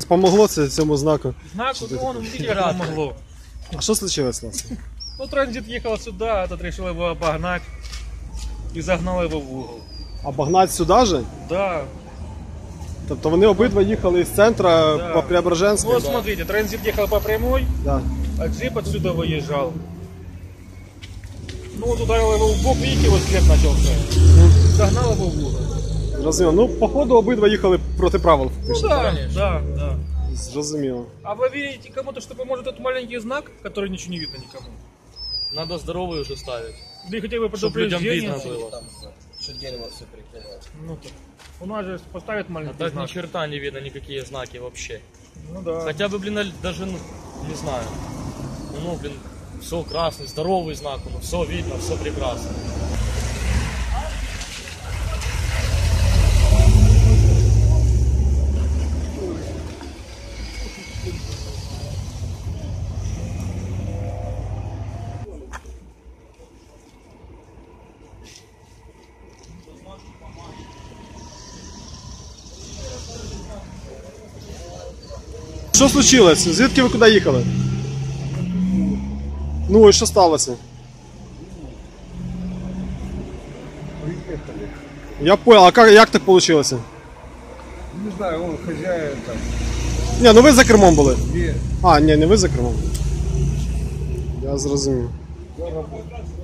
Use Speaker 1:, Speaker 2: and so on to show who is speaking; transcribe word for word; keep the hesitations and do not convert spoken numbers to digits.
Speaker 1: помогло це цьому знаку?
Speaker 2: Знаку, ну, он, видите, как помогло.
Speaker 1: А що случилось, Лас?
Speaker 2: Ну, транзит ехал сюда, этот решил его обогнать и загнал его в угол.
Speaker 1: Обогнать сюди же?
Speaker 2: Да.
Speaker 1: Тобто вони обидва їхали з центра
Speaker 2: Да.
Speaker 1: по Преображенську?
Speaker 2: Ну, вот смотрите, транзит ехал по прямой,
Speaker 1: Да.
Speaker 2: а джип отсюда выезжал. Ну, вот ударил его в бок, видите, вот след начался. Загнал его в угол.
Speaker 1: Зрозуміло. Ну, походу, обидва їхали проти правил.
Speaker 2: Ну да, да, да.
Speaker 1: Зрозуміло.
Speaker 2: А вы верите кому-то, что поможет этот маленький знак, который ничего не видно никому?
Speaker 3: Надо здоровый уже ставить,
Speaker 2: Да и хотя бы
Speaker 3: чтобы людям
Speaker 2: предупреждение.
Speaker 3: видно было.
Speaker 4: Что дерево все прикрывает.
Speaker 2: Ну, так. У нас же поставят
Speaker 3: А
Speaker 2: маленький
Speaker 3: так
Speaker 2: знак.
Speaker 3: ни черта не видно, никакие знаки вообще.
Speaker 2: Ну да.
Speaker 3: Хотя бы, блин, даже, ну, не знаю. Ну, блин, все красный, здоровый знак, ну, все видно, все прекрасно.
Speaker 1: Що случилось? Звідки ви куди їхали? Ну і що сталося?
Speaker 5: Приехали.
Speaker 1: Я понял, а как, як так вийшло?
Speaker 5: Не знаю, он хозяин там.
Speaker 1: Ні, ну ви за кермом були.
Speaker 5: Где?
Speaker 1: А, ні, не ви за кермом. Я зрозумів.
Speaker 5: Я работаю.